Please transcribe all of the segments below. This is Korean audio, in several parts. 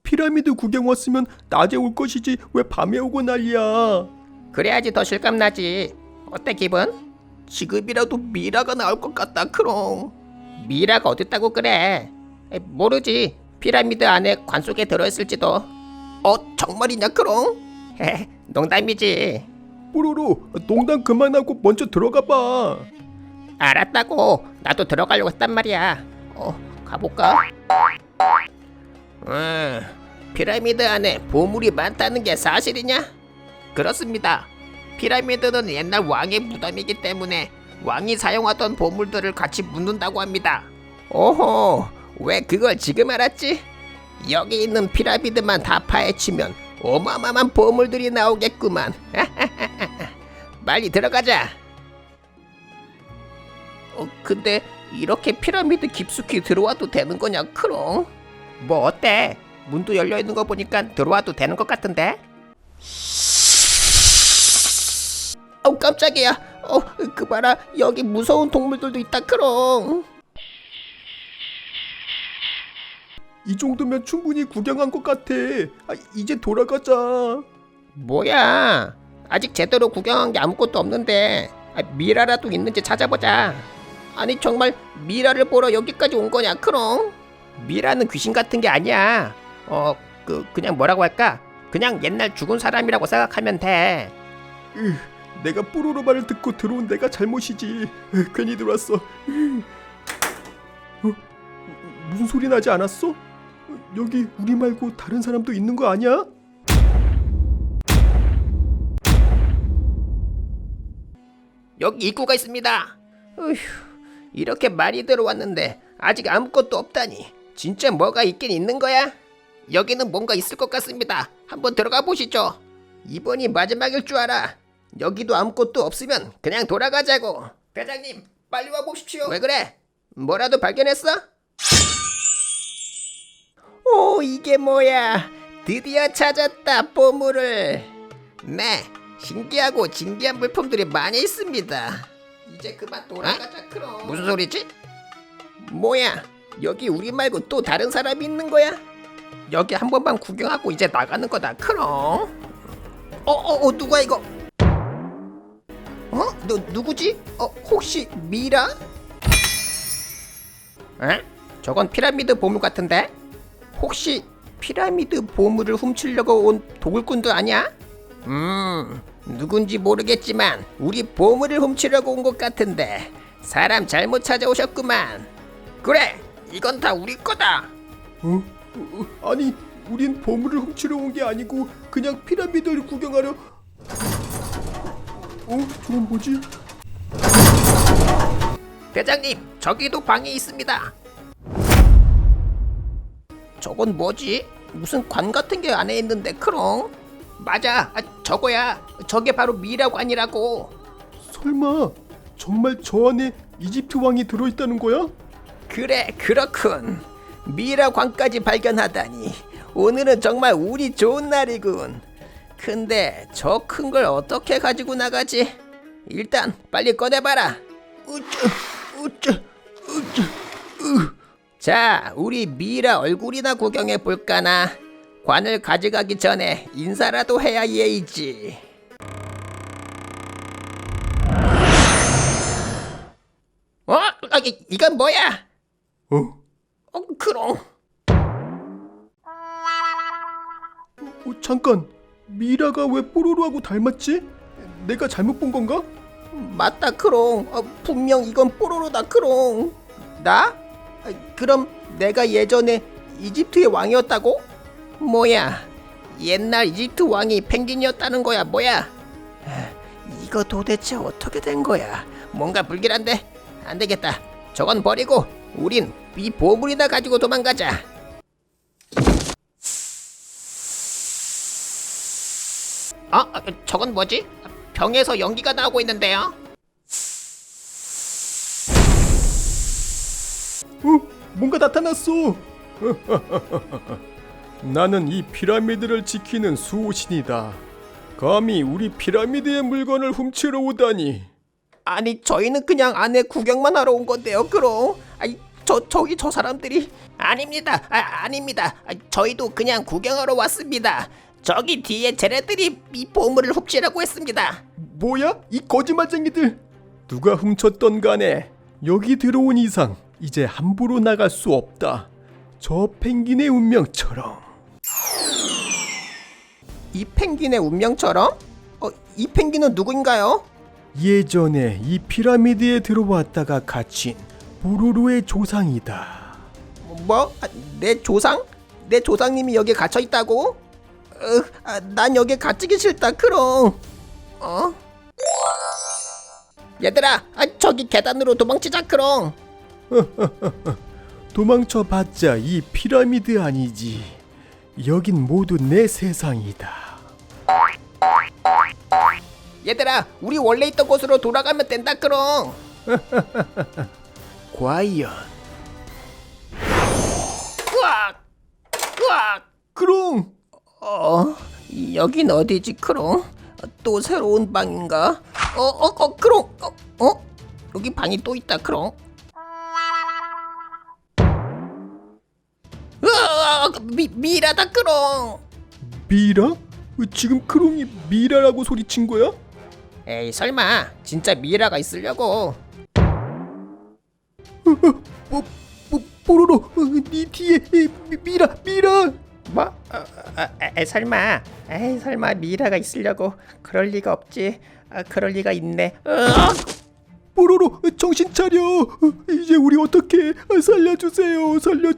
피라미드 구경 왔으면 낮에 올 것이지 왜 밤에 오고 난리야. 그래야지 더 실감나지. 어때 기분? 지금이라도 미라가 나올 것 같다 크롱. 미라가 어딨다고 그래. 모르지. 피라미드 안에 관 속에 들어있을지도. 정말이냐 크롱? 헤헤, 농담이지. 뽀로로, 농담 그만하고 먼저 들어가봐. 알았다고. 나도 들어가려고 했단 말이야. 가볼까? 피라미드 안에 보물이 많다는 게 사실이냐? 그렇습니다. 피라미드는 옛날 왕의 무덤이기 때문에 왕이 사용하던 보물들을 같이 묻는다고 합니다. 오호, 왜 그걸 지금 알았지? 여기 있는 피라미드만 다 파헤치면 어마어마한 보물들이 나오겠구만. 빨리 들어가자. 근데 이렇게 피라미드 깊숙이 들어와도 되는 거냐 크롱? 뭐 어때? 문도 열려있는 거 보니까 들어와도 되는 것 같은데? 깜짝이야. 그 봐라, 여기 무서운 동물들도 있다 크롱. 이 정도면 충분히 구경한 것 같아. 이제 돌아가자. 뭐야? 아직 제대로 구경한 게 아무것도 없는데. 미라라도 있는지 찾아보자. 아니 정말 미라를 보러 여기까지 온 거냐 크롱? 미라는 귀신 같은 게 아니야. 그냥 뭐라고 할까? 그냥 옛날 죽은 사람이라고 생각하면 돼. 내가 뽀로로 말을 듣고 들어온 내가 잘못이지. 괜히 들어왔어. 무슨 소리 나지 않았어? 여기 우리 말고 다른 사람도 있는 거 아니야? 여기 입구가 있습니다. 이렇게 많이 들어왔는데 아직 아무것도 없다니. 진짜 뭐가 있긴 있는 거야? 여기는 뭔가 있을 것 같습니다. 한번 들어가 보시죠. 이번이 마지막일 줄 알아. 여기도 아무것도 없으면 그냥 돌아가자고. 대장님, 빨리 와 보십시오. 왜 그래? 뭐라도 발견했어? 오, 이게 뭐야? 드디어 찾았다, 보물을. 네, 신기하고 진귀한 물품들이 많이 있습니다. 이제 그만 돌아가자, 크롱. 무슨 소리지? 뭐야? 여기 우리 말고 또 다른 사람이 있는 거야? 여기 한 번만 구경하고 이제 나가는 거다, 크롱. 누가 이거? 너 누구지? 혹시 미라? 저건 피라미드 보물 같은데? 혹시 피라미드 보물을 훔치려고 온 도굴꾼도 아니야? 누군지 모르겠지만 우리 보물을 훔치려고 온 것 같은데 사람 잘못 찾아오셨구만. 그래, 이건 다 우리 거다. 아니, 우린 보물을 훔치러 온 게 아니고 그냥 피라미드를 구경하려. 저건 뭐지? 대장님, 저기도 방이 있습니다. 저건 뭐지? 무슨 관 같은 게 안에 있는데 크롱? 맞아, 저거야. 저게 바로 미라관이라고. 설마 정말 저 안에 이집트 왕이 들어있다는 거야? 그래, 그렇군. 미라관까지 발견하다니 오늘은 정말 운이 좋은 날이군. 근데 저 큰 걸 어떻게 가지고 나가지? 일단 빨리 꺼내봐라. 자, 우리 미라 얼굴이나 구경해 볼까나. 관을 가져가기 전에 인사라도 해야 예의지. 이건 뭐야? 크롱. 잠깐, 미라가 왜 뽀로로하고 닮았지? 내가 잘못 본 건가? 맞다 크롱. 분명 이건 뽀로로다 크롱. 나? 그럼 내가 예전에 이집트의 왕이었다고? 뭐야, 옛날 이집트 왕이 펭귄이었다는 거야 뭐야? 이거 도대체 어떻게 된 거야? 뭔가 불길한데? 안 되겠다. 저건 버리고 우린 이 보물이나 가지고 도망가자. 저건 뭐지? 병에서 연기가 나오고 있는데요. 뭔가 나타났어. 나는 이 피라미드를 지키는 수호신이다. 감히 우리 피라미드의 물건을 훔치러 오다니. 아니, 저희는 그냥 안에 구경만 하러 온 건데요, 그럼. 저기 저 사람들이 아닙니다. 아닙니다. 저희도 그냥 구경하러 왔습니다. 저기 뒤에 쟤네들이 이 보물을 훔치라고 했습니다. 뭐야? 이 거짓말쟁이들! 누가 훔쳤던 간에 여기 들어온 이상 이제 함부로 나갈 수 없다. 저 펭귄의 운명처럼. 이 펭귄의 운명처럼? 이 펭귄은 누구인가요? 예전에 이 피라미드에 들어왔다가 갇힌 뽀로로의 조상이다. 뭐? 내 조상? 내 조상님이 여기에 갇혀 있다고? 난 여기에 갇히기 싫다 크롱. 얘들아, 저기 계단으로 도망치자 크롱. 도망쳐봤자 이 피라미드 아니지. 여긴 모두 내 세상이다. 얘들아, 우리 원래 있던 곳으로 돌아가면 된다 크롱. 과연 으악! 으악! 크롱! 여긴 어디지 크롱? 또 새로운 방인가? 크롱! 여기 방이 또 있다 크롱. 으악! 미라다 크롱. 미라? 지금 크롱이 미라라고 소리친 거야? 에이 설마 진짜 미라가 있으려고. 뽀로로, 네 뒤에 미라. 뭐? 설마 미라가 있으려고. 그럴 리가 없지. 그럴 리가 있네. 뽀로로, 정신 차려. 이제 우리 어떻게? 살려주세요.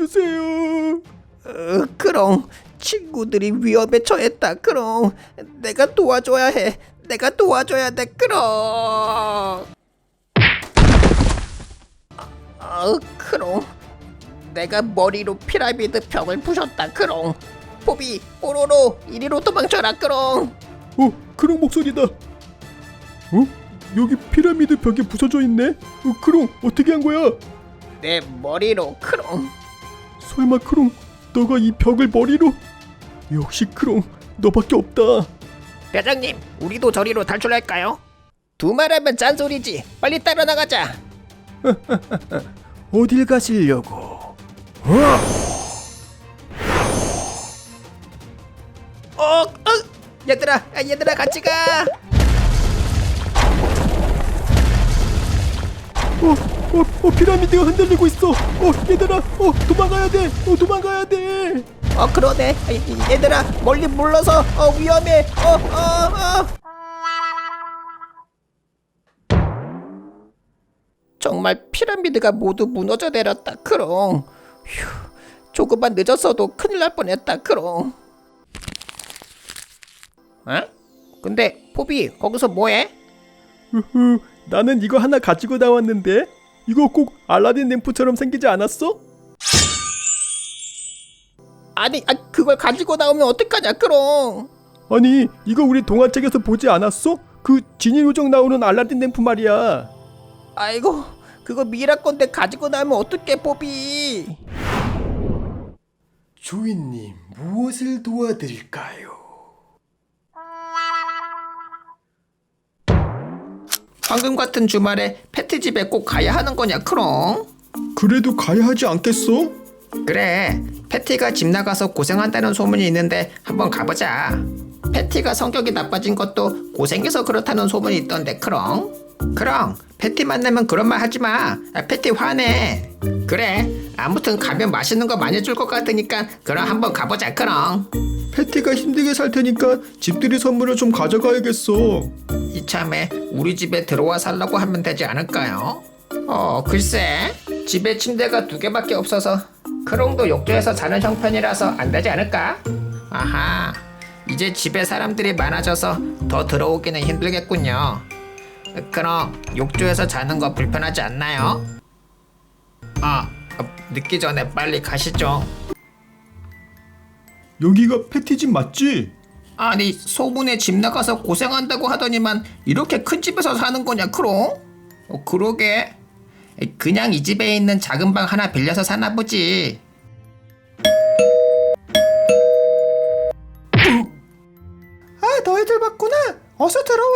크롱, 친구들이 위험에 처했다 크롱. 내가 도와줘야 해. 내가 도와줘야 돼 크롱. 크롱, 내가 머리로 피라미드 벽을 부셨다 크롱. 포비, 뽀로로, 이리로 도망쳐라 크롱. 크롱 목소리다. 여기 피라미드 벽에 부서져 있네. 크롱, 어떻게 한 거야? 내 머리로 크롱. 설마 크롱, 너가 이 벽을 머리로? 역시 크롱, 너밖에 없다. 대장님, 우리도 저리로 탈출할까요? 두말하면 짠소리지. 빨리 따라 나가자. 어딜 가시려고? 얘들아 같이 가. 피라미드가 흔들리고 있어. 얘들아, 도망가야 돼. 그러네. 얘들아, 멀리 물러서. 위험해. 정말 피라미드가 모두 무너져 내렸다 크롱. 휴, 조금만 늦었어도 큰일 날 뻔했다 크롱. 근데 포비, 거기서 뭐해? 나는 이거 하나 가지고 나왔는데 이거 꼭 알라딘 램프처럼 생기지 않았어? 아니, 그걸 가지고 나오면 어떡하냐 크롱. 아니, 이거 우리 동화책에서 보지 않았어? 그 지니 요정 나오는 알라딘 램프 말이야. 아이고, 그거 미라 건데 가지고 나오면 어떡해 포비. 주인님, 무엇을 도와드릴까요? 방금 같은 주말에 패티 집에 꼭 가야 하는 거냐 크롱? 그래도 가야 하지 않겠어? 그래, 패티가 집 나가서 고생한다는 소문이 있는데 한번 가보자. 패티가 성격이 나빠진 것도 고생해서 그렇다는 소문이 있던데 크롱. 패티 만나면 그런 말 하지마. 패티 화내. 그래, 아무튼 가면 맛있는 거 많이 줄 것 같으니까 그럼 한번 가보자 크롱. 패티가 힘들게 살 테니까 집들이 선물을 좀 가져가야겠어. 이참에 우리 집에 들어와 살라고 하면 되지 않을까요? 글쎄, 집에 침대가 2개밖에 없어서 크롱도 욕조에서 자는 형편이라서 안 되지 않을까? 아하, 이제 집에 사람들이 많아져서 더 들어오기는 힘들겠군요. 그럼 욕조에서 자는 거 불편하지 않나요? 늦기 전에 빨리 가시죠. 여기가 패티 집 맞지? 아니, 소문에 집 나가서 고생한다고 하더니만 이렇게 큰 집에서 사는 거냐 크롱? 그러게, 그냥 이 집에 있는 작은 방 하나 빌려서 사나 보지. 너희들 봤구나. 어서 들어와.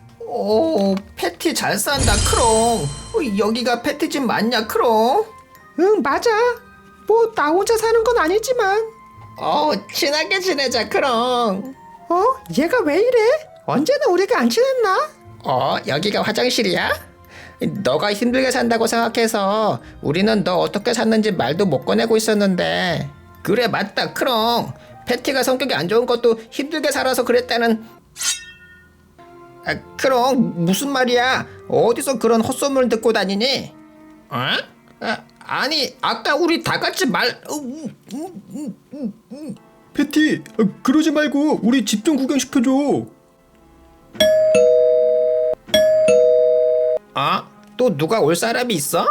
오, 패티 잘 산다 크롱. 여기가 패티 집 맞냐 크롱? 응, 맞아. 뭐 나 혼자 사는 건 아니지만. 친하게 지내자, 크롱. 얘가 왜 이래? 언제는 우리가 안 친했나? 여기가 화장실이야? 너가 힘들게 산다고 생각해서 우리는 너 어떻게 샀는지 말도 못 꺼내고 있었는데. 그래, 맞다, 크롱. 패티가 성격이 안 좋은 것도 힘들게 살아서 그랬다는. 크롱, 무슨 말이야? 어디서 그런 헛소문을 듣고 다니니? 아니, 아까 우리 다 같이 패티, 그러지 말고 우리 집 좀 구경시켜줘. 또 누가 올 사람이 있어?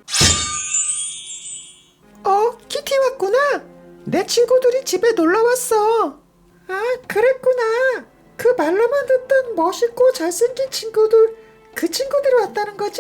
키티 왔구나. 내 친구들이 집에 놀러 왔어. 그랬구나. 그 말로만 듣던 멋있고 잘생긴 친구들, 그 친구들이 왔다는 거지?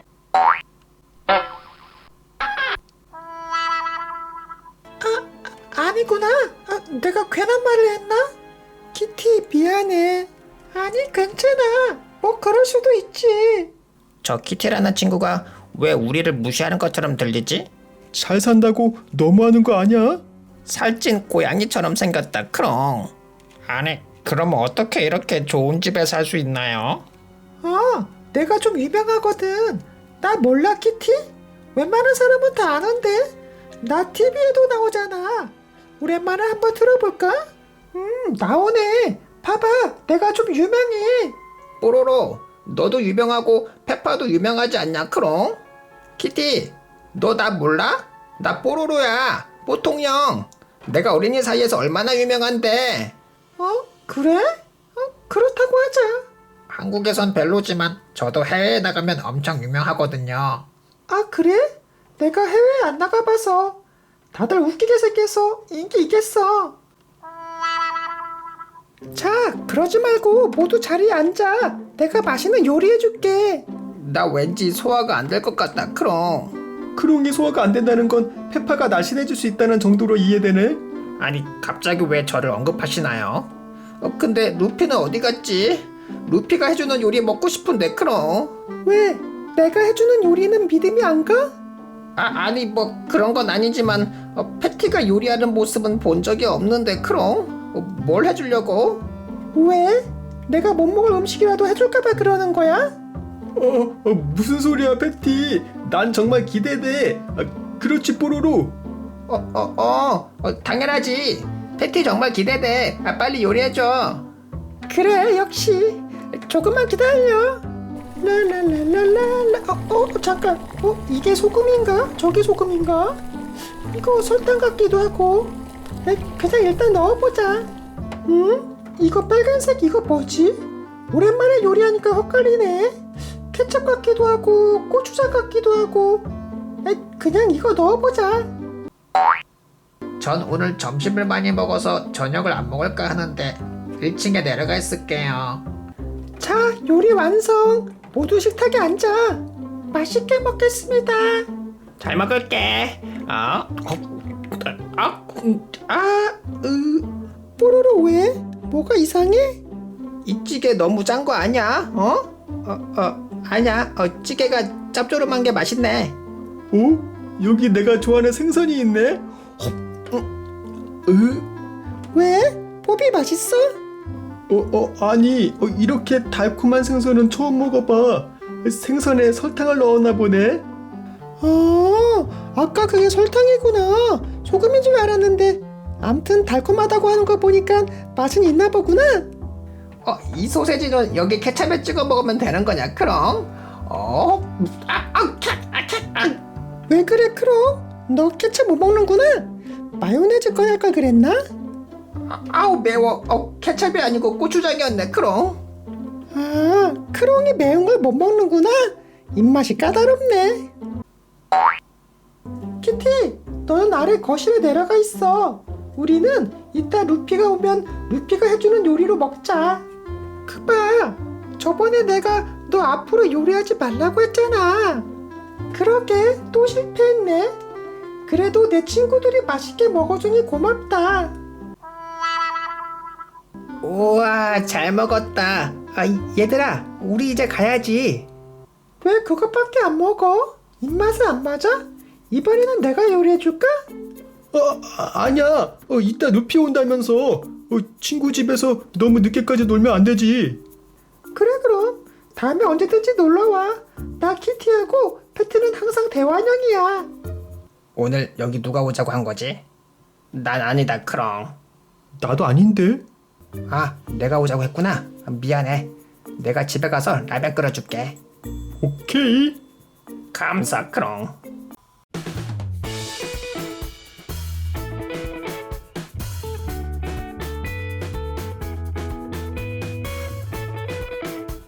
아니구나. 내가 괜한 말을 했나? 키티, 미안해. 아니, 괜찮아. 뭐 그럴 수도 있지. 저 키티라는 친구가 왜 우리를 무시하는 것처럼 들리지? 잘 산다고 너무하는 거 아니야? 살찐 고양이처럼 생겼다, 크롱. 아니, 그럼 어떻게 이렇게 좋은 집에 살 수 있나요? 내가 좀 유명하거든. 나 몰라, 키티? 웬만한 사람은 다 아는데. 나 TV에도 나오잖아. 오랜만에 한번 들어볼까? 나오네. 봐봐, 내가 좀 유명해. 뽀로로, 너도 유명하고 페파도 유명하지 않냐, 크롱? 키티, 너 나 몰라? 나 뽀로로야, 뽀통형. 내가 어린이 사이에서 얼마나 유명한데. 그래? 그렇다고 하자. 한국에선 별로지만 저도 해외에 나가면 엄청 유명하거든요. 그래? 내가 해외에 안 나가봐서. 다들 웃기게 생겨서 인기 있겠어. 자, 그러지 말고 모두 자리에 앉아. 내가 맛있는 요리 해줄게. 나 왠지 소화가 안 될 것 같다, 크롱. 크롱이 소화가 안 된다는 건 페파가 날씬해질 수 있다는 정도로 이해되네. 아니, 갑자기 왜 저를 언급하시나요? 근데 루피는 어디 갔지? 루피가 해주는 요리 먹고 싶은데, 크롱. 왜? 내가 해주는 요리는 믿음이 안 가? 아니, 뭐 그런 건 아니지만 패티가 요리하는 모습은 본 적이 없는데, 크롱. 뭘 해주려고? 왜? 내가 못 먹을 음식이라도 해줄까봐 그러는 거야? 무슨 소리야, 패티. 난 정말 기대돼. 그렇지, 뽀로로. 당연하지. 패티 정말 기대돼. 빨리 요리해줘. 그래, 역시. 조금만 기다려. 랄랄랄랄랄라. 잠깐. 이게 소금인가? 저게 소금인가? 이거 설탕 같기도 하고. 그냥 일단 넣어보자. 이거 빨간색 이거 뭐지? 오랜만에 요리하니까 헛갈리네. 케첩 같기도 하고 고추장 같기도 하고. 그냥 이거 넣어보자. 전 오늘 점심을 많이 먹어서 저녁을 안 먹을까 하는데 1층에 내려가 있을게요. 자, 요리 완성. 모두 식탁에 앉아. 맛있게 먹겠습니다. 잘 먹을게. 뽀로로 왜? 뭐가 이상해? 이 찌개 너무 짠 거 아니야? 아니야. 찌개가 짭조름한 게 맛있네. 여기 내가 좋아하는 생선이 있네. 왜? 뽀비 맛있어? 아니, 이렇게 달콤한 생선은 처음 먹어봐. 생선에 설탕을 넣었나 보네. 아까 그게 설탕이구나. 소금인 줄 알았는데. 암튼 달콤하다고 하는 거 보니까 맛은 있나 보구나. 이 소세지는 여기 케찹에 찍어 먹으면 되는 거냐, 크롱? 왜 그래, 크롱? 너 케첩 못 먹는구나. 마요네즈 꺼낼 걸 그랬나? 아우, 매워. 케찹이 아니고 고추장이었네, 크롱. 크롱이 매운 걸 못 먹는구나. 입맛이 까다롭네. 키티, 너는 아래 거실에 내려가 있어. 우리는 이따 루피가 오면 루피가 해주는 요리로 먹자. 그봐, 저번에 내가 너 앞으로 요리하지 말라고 했잖아. 그러게, 또 실패했네. 그래도 내 친구들이 맛있게 먹어주니 고맙다. 우와, 잘 먹었다. 얘들아, 우리 이제 가야지. 왜 그것밖에 안 먹어? 입맛에 안 맞아? 이번에는 내가 요리해줄까? 아니야. 이따 루피 온다면서. 친구 집에서 너무 늦게까지 놀면 안 되지. 그래 그럼 다음에 언제든지 놀러와. 나 키티하고 패트는 항상 대환영이야. 오늘 여기 누가 오자고 한 거지? 난 아니다 크롱. 나도 아닌데. 아 내가 오자고 했구나. 미안해. 내가 집에 가서 라면 끓여줄게. 오케이. 감사 크롱.